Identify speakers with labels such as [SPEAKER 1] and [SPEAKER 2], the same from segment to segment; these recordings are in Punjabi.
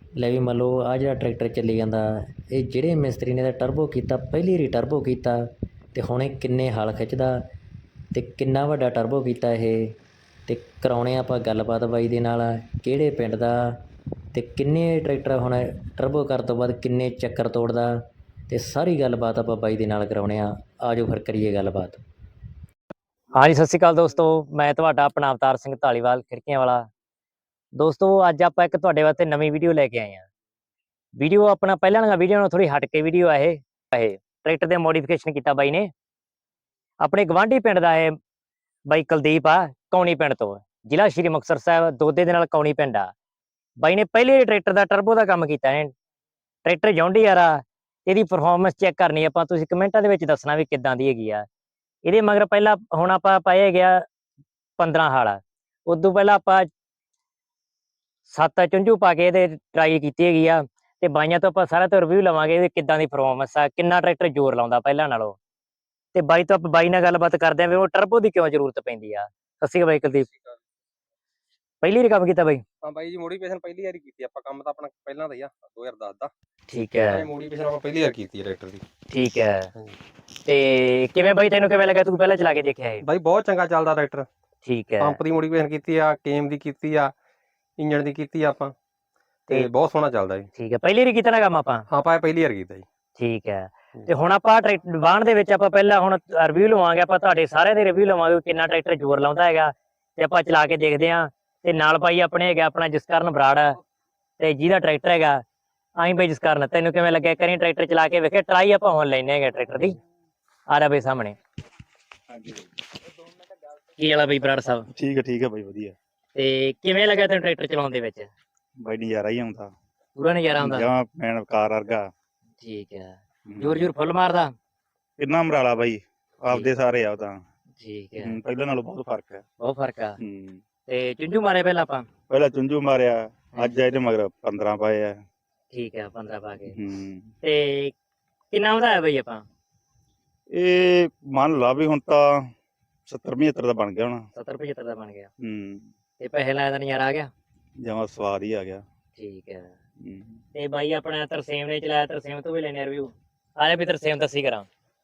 [SPEAKER 1] ਲੈ ਵੀ ਮੰਨ ਲਓ ਆਹ ਜਿਹੜਾ ਟਰੈਕਟਰ ਚੱਲੀ ਜਾਂਦਾ, ਇਹ ਜਿਹੜੇ ਮਿਸਤਰੀ ਨੇ ਤਾਂ ਟਰਬੋ ਕੀਤਾ, ਪਹਿਲੀ ਵਾਰੀ ਟਰਬੋ ਕੀਤਾ ਅਤੇ ਹੁਣ ਇਹ ਕਿੰਨੇ ਹਲ ਖਿੱਚਦਾ ਅਤੇ ਕਿੰਨਾ ਵੱਡਾ ਟਰਬੋ ਕੀਤਾ ਇਹ। ਅਤੇ ਕਰਾਉਣੇ ਆਪਾਂ ਗੱਲਬਾਤ ਬਾਈ ਦੇ ਨਾਲ, ਕਿਹੜੇ ਪਿੰਡ ਦਾ ਅਤੇ ਕਿੰਨੇ ਟਰੈਕਟਰ ਹੁਣ ਟਰਬੋ ਕਰਨ ਤੋਂ ਬਾਅਦ ਕਿੰਨੇ ਚੱਕਰ ਤੋੜਦਾ, ਅਤੇ ਸਾਰੀ ਗੱਲਬਾਤ ਆਪਾਂ ਬਾਈ ਦੇ ਨਾਲ ਕਰਾਉਣੇ ਆ। ਆਜੋ ਫਿਰ ਕਰੀਏ ਗੱਲਬਾਤ।
[SPEAKER 2] ਹਾਂਜੀ, ਸਤਿ ਸ਼੍ਰੀ ਅਕਾਲ ਦੋਸਤੋ, ਮੈਂ ਤੁਹਾਡਾ ਆਪਣਾ ਅਵਤਾਰ ਸਿੰਘ ਧਾਲੀਵਾਲ ਖਿੜਕੀਆਂ ਵਾਲਾ। ਦੋਸਤੋ ਅੱਜ ਆਪਾਂ ਇੱਕ ਤੁਹਾਡੇ ਵਾਸਤੇ ਨਵੀਂ ਵੀਡੀਓ ਲੈ ਕੇ ਆਏ ਹਾਂ। ਵੀਡੀਓ ਆਪਣਾ ਪਹਿਲਾਂ ਵਾਲੀਆਂ ਵੀਡੀਓ ਨਾਲ ਥੋੜੀ ਹਟ ਕੇ ਵੀਡੀਓ ਆ। ਇਹ ਟਰੈਕਟਰ ਦੇ ਮੋਡੀਫਿਕੇਸ਼ਨ ਕੀਤਾ ਬਾਈ ਨੇ, ਆਪਣੇ ਗਵਾਂਢੀ ਪਿੰਡ ਦਾ ਇਹ ਬਾਈ ਕੁਲਦੀਪ ਆ, ਕੌਣੀ ਪਿੰਡ ਤੋਂ, ਜ਼ਿਲ੍ਹਾ ਸ਼੍ਰੀ ਮੁਕਤਸਰ ਸਾਹਿਬ, ਦੋਦੇ ਦੇ ਨਾਲ ਕੌਣੀ ਪਿੰਡ ਆ। ਬਾਈ ਨੇ ਪਹਿਲੇ ਟਰੈਕਟਰ ਦਾ ਟਰਬੋ ਦਾ ਕੰਮ ਕੀਤਾ ਹੈ। ਟਰੈਕਟਰ ਜੌਂਡੀ ਯਾਰ ਆ, ਇਹਦੀ ਪਰਫਾਰਮੈਂਸ ਚੈੱਕ ਕਰਨੀ ਆਪਾਂ, ਤੁਸੀਂ ਕਮੈਂਟਾਂ ਦੇ ਵਿੱਚ ਦੱਸਣਾ ਵੀ ਕਿੱਦਾਂ ਦੀ ਹੈਗੀ ਆ। ਇਹਦੇ ਮਗਰ ਪਹਿਲਾਂ ਹੁਣ ਆਪਾਂ ਪਾਏ ਗਿਆ 15 ਹਲ, ਉਦੋਂ ਪਹਿਲਾਂ ਆਪਾਂ 7 ਚੁੰਝੂ ਪਾ ਕੇ ਇਹਦੇ ਟਰਾਈ ਕੀਤੀ ਹੈਗੀ ਆ। ਤੇ ਬਾਈਆਂ ਤੋਂ ਆਪਾਂ ਸਾਰਾ ਤੋਂ ਰਿਵਿਊ ਲਵਾਂਗੇ ਇਹਦੀ ਕਿੱਦਾਂ ਦੀ ਪਰਫਾਰਮੈਂਸ ਆ, ਕਿੰਨਾ ਟਰੈਕਟਰ ਜ਼ੋਰ ਲਾਉਂਦਾ ਪਹਿਲਾਂ ਨਾਲੋਂ। ਤੇ ਬਾਈ ਤੋਂ ਆਪਾਂ ਬਾਈ ਨਾਲ ਗੱਲਬਾਤ ਕਰਦੇ ਆਂ ਵੀ ਉਹ ਟਰਬੋ ਦੀ ਕਿਉਂ ਜ਼ਰੂਰਤ ਪੈਂਦੀ ਆ। ਸਤਿ ਸ਼੍ਰੀ ਅਕਾਲ ਬਾਈ ਕੁਲਦੀਪ। ਪਹਿਲੀ ਵਾਰੀ ਕੰਮ ਕੀਤਾ ਬਾਈ?
[SPEAKER 3] ਹਾਂ ਬਾਈ ਜੀ, ਮੋਡੀਫਿਕੇਸ਼ਨ ਪਹਿਲੀ ਵਾਰੀ ਕੀਤੀ ਆਪਾਂ। ਕੰਮ ਤਾਂ ਆਪਣਾ ਪਹਿਲਾਂ ਦਾ ਹੀ ਆ, 2010 ਦਾ।
[SPEAKER 2] ਠੀਕ ਹੈ,
[SPEAKER 3] ਮੋਡੀਫਿਕੇਸ਼ਨ ਆਪਾਂ ਪਹਿਲੀ ਵਾਰ ਕੀਤੀ ਹੈ ਟਰੈਕਟਰ ਦੀ।
[SPEAKER 2] ਠੀਕ ਹੈ। ਤੇ ਕਿਵੇਂ ਬਾਈ, ਤੈਨੂੰ ਕਿਵੇਂ ਲੱਗਾ, ਤੂੰ ਪਹਿਲਾਂ ਚਲਾ ਕੇ ਦੇਖਿਆ ਇਹ?
[SPEAKER 3] ਬਾਈ ਬਹੁਤ ਚੰਗਾ ਚੱਲਦਾ ਟਰੈਕਟਰ।
[SPEAKER 2] ਠੀਕ ਹੈ।
[SPEAKER 3] ਪੰਪ ਦੀ ਮੋਡੀਫਿਕੇਸ਼ਨ ਕੀਤੀ ਆ, ਕੇਮ ਦੀ ਕੀਤੀ ਆ, ਇੰਜਣ ਦੀ ਕੀਤੀ ਆ ਆਪਾਂ, ਤੇ ਬਹੁਤ ਸੋਹਣਾ ਚੱਲਦਾ ਜੀ।
[SPEAKER 2] ਠੀਕ ਹੈ, ਪਹਿਲੀ ਵਾਰੀ ਕੀਤਾ ਨਾ ਕੰਮ ਆਪਾਂ?
[SPEAKER 3] ਹਾਂ ਆਪਾਂ ਪਹਿਲੀ ਵਾਰ ਕੀਤਾ ਜੀ।
[SPEAKER 2] ਠੀਕ ਹੈ। ਤੇ ਹੁਣ ਆਪਾਂ ਟਰੈਕਟਰ ਵਾਹਣ ਦੇ ਵਿੱਚ ਆਪਾਂ ਪਹਿਲਾਂ ਹੁਣ ਰਿਵਿਊ ਲਵਾਂਗੇ, ਆਪਾਂ ਤੁਹਾਡੇ ਸਾਰਿਆਂ ਦੇ ਰਿਵਿਊ ਲਵਾਂਗੇ ਕਿੰਨਾ ਟਰੈਕਟਰ ਜ਼ੋਰ ਲਾਉਂਦਾ ਹੈਗਾ, ਤੇ ਆਪਾਂ ਚਲਾ ਕੇ ਦੇਖਦੇ ਹਾਂ। ਤੇ ਨਾਲ ਬਾਈ ਆਪਣੇ ਹੈਗਾ ਆਪਣਾ ਜਸਕਰਨ ਬਰਾੜ, ਤੇ ਜਿਹਦਾ ਟਰੈਕਟਰ ਹੈਗਾ ਆਈ ਬਾਈ ਜਸਕਰਨ, ਤੈਨੂੰ ਕਿਵੇਂ ਲੱਗਿਆ? ਕਰੀ ਟਰੈਕਟਰ ਚਲਾ ਕੇ ਵੇਖੇ, ਟਰਾਈ ਆਪਾਂ ਹੁਣ ਲੈਣੇ ਹੈਗੇ ਟਰੈਕਟਰ ਦੀ। ਆ ਰਿਹਾ ਬਾਈ ਸਾਹਮਣੇ। ਕੀ ਵਾਲਾ ਬਾਈ ਬਰਾੜ ਸਾਹਿਬ?
[SPEAKER 4] ਠੀਕ ਹੈ ਬਾਈ, ਵਧੀਆ।
[SPEAKER 2] ਤੇ ਕਿਵੇਂ ਲੱਗਾ ਤੈਨੂੰ ਟਰੈਕਟਰ ਚਲਾਉਣ ਦੇ ਵਿੱਚ?
[SPEAKER 4] ਬਾਈ ਨਜ਼ਾਰਾ ਹੀ ਆਉਂਦਾ,
[SPEAKER 2] ਪੂਰਾ ਨਜ਼ਾਰਾ ਆਉਂਦਾ?
[SPEAKER 4] ਜਮਾਂ ਮੈਨ ਕਾਰ ਵਰਗਾ।
[SPEAKER 2] ਠੀਕ ਹੈ। ਜ਼ੋਰ ਫੁੱਲ ਮਾਰਦਾ?
[SPEAKER 4] ਕਿੰਨਾ ਮਰਾਲਾ ਬਾਈ, ਆਪਦੇ ਸਾਰੇ ਆ ਉਹ ਤਾਂ।
[SPEAKER 2] ਠੀਕ ਹੈ।
[SPEAKER 4] ਪਹਿਲਾਂ ਨਾਲੋਂ ਬਹੁਤ ਫਰਕ ਹੈ।
[SPEAKER 2] ਬਹੁਤ ਫਰਕ ਆ। ਤੇ ਚੁੰਝੂ ਮਾਰੇ ਪਹਿਲਾਂ ਆਪਾਂ?
[SPEAKER 4] ਪਹਿਲਾਂ ਚੁੰਝੂ ਮਾਰਿਆ, ਅੱਜ ਇਹਦੇ ਮਗਰ 15 ਪਾਏ ਆ।
[SPEAKER 2] ਠੀਕ ਹੈ, 15 ਪਾ ਕੇ। ਤੇ ਕਿੰਨਾ ਵਧਾਇਆ ਬਈ ਆਪਾਂ?
[SPEAKER 4] ਇਹ ਮੰਨ ਲਾ ਵੀ ਹੁਣ ਤਾਂ 70-75 ਦਾ ਬਣ ਗਿਆ ਹੋਣਾ।
[SPEAKER 2] 70-75 ਦਾ ਬਣ ਗਿਆ। ਤੇ ਪੈਸੇ ਲਾਇਆ ਦਾ ਨਜ਼ਾਰਾ ਆ ਗਿਆ?
[SPEAKER 4] ਜਮਾਂ ਸਵਾਦ ਹੀ ਆ ਗਿਆ।
[SPEAKER 2] ਠੀਕ ਹੈ। ਤੇ ਬਾਈ ਆਪਣਾ ਤਰਸੇਮ ਨੇ ਚਲਾਇਆ, ਤਰਸੇਮ ਤੋਂ ਵੀ ਲੈਣੇ ਰਿਵਿਊ। ਆ ਜਾ ਵੀ ਤਰਸੇਮ ਦੱਸੀ ਕਰਾਂ।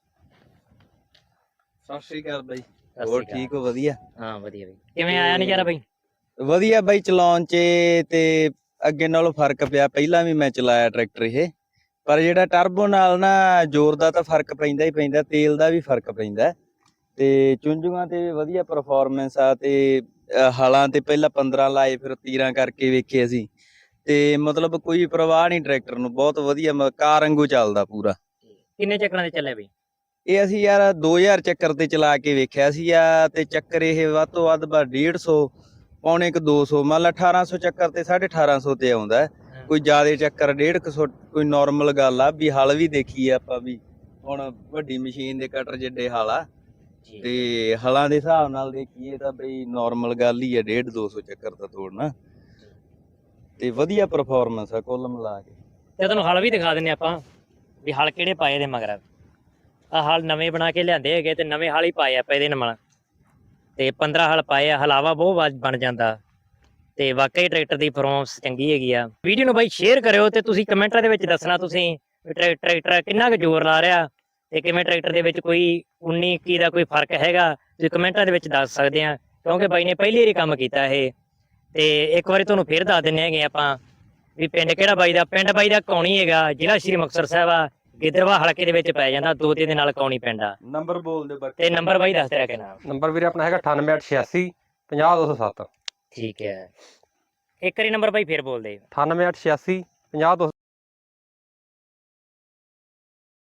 [SPEAKER 5] ਸਤਿ ਸ਼੍ਰੀ ਅਕਾਲ ਬਾਈ, ਹੋਰ ਠੀਕ ਹੋ? ਵਧੀਆ।
[SPEAKER 2] ਹਾਂ ਵਧੀਆ ਬਾਈ। ਕਿਵੇਂ ਆਇਆ ਨਜ਼ਾਰਾ ਬਾਈ?
[SPEAKER 5] ਵਧੀਆ ਬਾਈ, ਚਲਾਉਣ 'ਚ ਤੇ ਅੱਗੇ ਨਾਲੋਂ ਫਰਕ ਪਿਆ। ਪਹਿਲਾਂ ਵੀ ਮੈਂ ਚਲਾਇਆ ਟਰੈਕਟਰ ਇਹ, ਪਰ ਜਿਹੜਾ ਟਰਬੋ ਨਾਲ ਨਾ ਜ਼ੋਰ ਦਾ ਤਾਂ ਫਰਕ ਪੈਂਦਾ ਹੀ ਪੈਂਦਾ, ਤੇਲ ਦਾ ਵੀ ਫਰਕ ਪੈਂਦਾ। ਤੇ ਚੁੰਝੂਆਂ ਤੇ ਵਧੀਆ ਪਰਫਾਰਮੈਂਸ ਆ। ਤੇ ਹਲਾਂ ਤੇ ਪਹਿਲਾਂ 15 ਲਾਏ, ਫਿਰ 13 ਕਰਕੇ ਵੇਖੇ ਅਸੀਂ, ਤੇ ਮਤਲਬ ਕੋਈ ਪਰਵਾਹ ਨਹੀਂ ਟਰੈਕਟਰ ਨੂੰ, ਬਹੁਤ ਵਧੀਆ ਕਾਰ ਵਾਂਗੂ ਚੱਲਦਾ ਪੂਰਾ।
[SPEAKER 2] ਕਿੰਨੇ ਚੱਕਰਾਂ ਤੇ ਚੱਲਿਆ ਬਈ
[SPEAKER 5] ਇਹ? ਅਸੀਂ ਯਾਰ 2000 ਚੱਕਰ ਤੇ ਚਲਾ ਕੇ ਵੇਖਿਆ ਸੀ ਆ, ਤੇ ਚੱਕਰ ਇਹ ਵੱਧ ਤੋਂ ਵੱਧ 150 ਪੌਣੇ ਕ 200, ਮੰਨ ਲਾ 1800 ਚੱਕਰ ਤੇ 1850 ਤੇ ਆਉਂਦਾ। ਕੋਈ ਜ਼ਿਆਦਾ ਚੱਕਰ 150, ਕੋਈ ਨੋਰਮਲ ਗੱਲ ਆ। ਵੀ ਹਲ ਵੀ ਦੇਖੀ ਆਪਾਂ, ਵੀ ਹੁਣ ਵੱਡੀ ਮਸ਼ੀਨ ਦੇ ਕਟਰ ਜਿੱਡੇ ਹਲ ਆ, ਤੇ ਹਲਾਂ ਦੇ ਹਿਸਾਬ ਨਾਲ ਦੇਖੀਏ ਤਾਂ ਬਈ ਨੋਰਮਲ ਗੱਲ ਹੀ ਆ 150-200 ਚੱਕਰ ਦਾ ਤੋੜਨਾ। ਤੇ ਵਧੀਆ ਪਰਫਾਰਮੈਂਸ ਆ ਕੁੱਲ ਮਿਲਾ ਕੇ।
[SPEAKER 2] ਤੇ ਤੁਹਾਨੂੰ ਹਲ ਵੀ ਦਿਖਾ ਦਿੰਨੇ ਆਪਾਂ ਵੀ ਹਲ ਕਿਹੜੇ ਪਾਏ ਦੇ ਮਗਰ। ਆ ਹਲ ਨਵੇਂ ਬਣਾ ਕੇ ਲਿਆਂਦੇ ਹੈਗੇ, ਤੇ ਨਵੇਂ ਹਲ ਹੀ ਪਾਏ ਆਪਾਂ ਇਹਦੇ ਨਾਲ, ਤੇ 15 ਹਲ ਪਾਏ ਆ। ਹਲਾਵਾ ਬਹੁਤ ਬਣ ਜਾਂਦਾ, ਤੇ ਵਾਕਈ ਟਰੈਕਟਰ ਦੀ ਪਰਫਾਰਮੈਂਸ ਚੰਗੀ ਹੈਗੀ ਆ। ਵੀਡੀਓ ਨੂੰ ਬਾਈ ਸ਼ੇਅਰ ਕਰਿਓ, ਤੇ ਤੁਸੀਂ ਕਮੈਂਟਾਂ ਦੇ ਵਿੱਚ ਦੱਸਣਾ ਤੁਸੀਂ ਟਰੈਕਟਰ ਕਿੰਨਾ ਕੁ ਜ਼ੋਰ ਲਾ ਰਿਹਾ, ਤੇ ਕਿਵੇਂ ਟਰੈਕਟਰ ਦੇ ਵਿੱਚ ਕੋਈ 19-21 ਦਾ ਕੋਈ ਫਰਕ ਹੈਗਾ, ਤੁਸੀਂ ਕਮੈਂਟਾਂ ਦੇ ਵਿੱਚ ਦੱਸ ਸਕਦੇ ਆ। ਕਿਉਂਕਿ ਬਾਈ ਨੇ ਪਹਿਲੀ ਵਾਰੀ ਕੰਮ ਕੀਤਾ ਇਹ। ਤੇ ਇੱਕ ਵਾਰੀ ਤੁਹਾਨੂੰ ਫੇਰ ਦੱਸ ਦਿੰਦੇ ਹੈਗੇ ਆਪਾਂ ਵੀ ਪਿੰਡ ਕਿਹੜਾ ਬਾਈ ਦਾ। ਪਿੰਡ ਬਾਈ ਦਾ ਕੌਣੀ ਹੈਗਾ, ਜ਼ਿਲ੍ਹਾ ਸ਼੍ਰੀ ਮੁਕਤਸਰ ਸਾਹਿਬ ਆ, ਗਿੱਦੜਬਾਹਾ ਹਲਕੇ ਦੇ ਵਿੱਚ ਪੈ ਜਾਂਦਾ, ਦੋਦੇ ਦੇ ਨਾਲ ਕੌਣੀ ਪਿੰਡ ਆ।
[SPEAKER 5] ਨੰਬਰ ਬੋਲ ਦੇ
[SPEAKER 2] ਤੇ ਨੰਬਰ ਬਾਈ ਦੱਸ ਤੇਰਾ ਕਿੰਨਾ?
[SPEAKER 3] ਨੰਬਰ ਵੀਰੇ ਆਪਣਾ ਹੈਗਾ 9886 50207।
[SPEAKER 2] ਠੀਕ ਹੈ, ਇੱਕ ਵਾਰੀ ਨੰਬਰ ਬਾਈ ਫੇਰ ਬੋਲ ਦੇ।
[SPEAKER 3] 9886 50207।